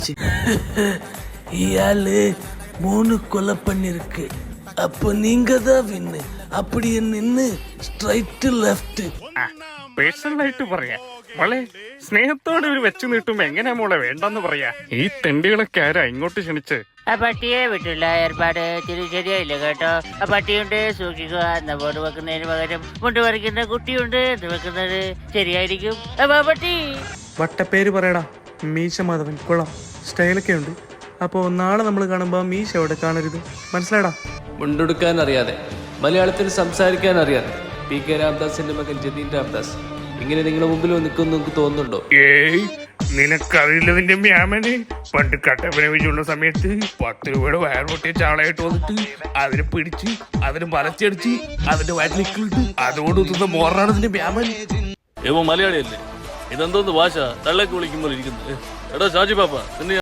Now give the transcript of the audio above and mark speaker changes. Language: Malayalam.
Speaker 1: இயாளு 3 கொலை பண்ணிருக்கு. அப்போ நீங்க தான் வின்னு. அப்படியே நின்னு സ്ട്രൈറ്റ് ലെഫ്റ്റ്.
Speaker 2: പേഴ്സണലായിട്ട് പറയാ മോളെ, സ്നേഹത്തോടെ ഒരു വെച്ച് നീട്ടുമ്പോ എങ്ങനെയാ മോളെ വേണ്ടെന്ന് പറയാ? ഈ തെണ്ടികളൊക്കെ ആരാ ഇങ്ങോട്ട് ക്ഷണിച്ച്?
Speaker 3: ആ പട്ടിയെ വിട്ടുള്ള ഏർപ്പാട് തിരി ശരിയായില്ല കേട്ടോ. ആ പട്ടിയുണ്ട് സൂക്ഷിക്കുക എന്ന ബോർഡ് വെക്കുന്നതിന് പകരം മുണ്ട് പറിക്കുന്ന കുട്ടിയുണ്ട് എന്ന് വെക്കുന്നത് ശരിയായിരിക്കും. പട്ടി
Speaker 4: വട്ടപ്പേര് പറയടാ. മീശ മാധവൻ കൊള്ളാം, സ്റ്റൈലൊക്കെ ഉണ്ട്. അപ്പോൾ നാളെ നമ്മൾ കാണുമ്പോൾ മീശ അവിടെ കാണരുത്, മനസ്സിലാടാ?
Speaker 5: മുണ്ടെടുക്കാൻ അറിയാതെ, മലയാളത്തിൽ സംസാരിക്കാൻ അറിയാതെ PK രാംദാസിന്റെ മകൻ ജതീൻ രാംദാസ് ഇങ്ങനെ നിങ്ങളുടെ മുമ്പിൽ നിൽക്കുന്നു നിങ്ങൾക്ക് തോന്നുന്നുണ്ടോ?
Speaker 2: ഏയ്, നിനക്കറിയില്ലതിന്റെ മ്യാമന് പണ്ട് കട്ടപ്പനവിച്ചുള്ള സമയത്ത് 10 രൂപയുടെ വയർ പൊട്ടിയ ചാളയായിട്ട് വന്നിട്ട് അതിനെ പിടിച്ച് അതിന് വലച്ചടിച്ച് അതിന്റെ വയറ്റിലിട്ട് അതോടൊത്തുന്ന മോറാണ് ഇതിന്റെ മ്യാമൻ.
Speaker 6: മലയാളിയല്ലേ? ഇതെന്തോന്ന് ഭാഷ? തള്ളക്ക് വിളിക്കുമ്പോൾ ഇരിക്കുന്നത്. എടാ ഷാജി പാപ്പ,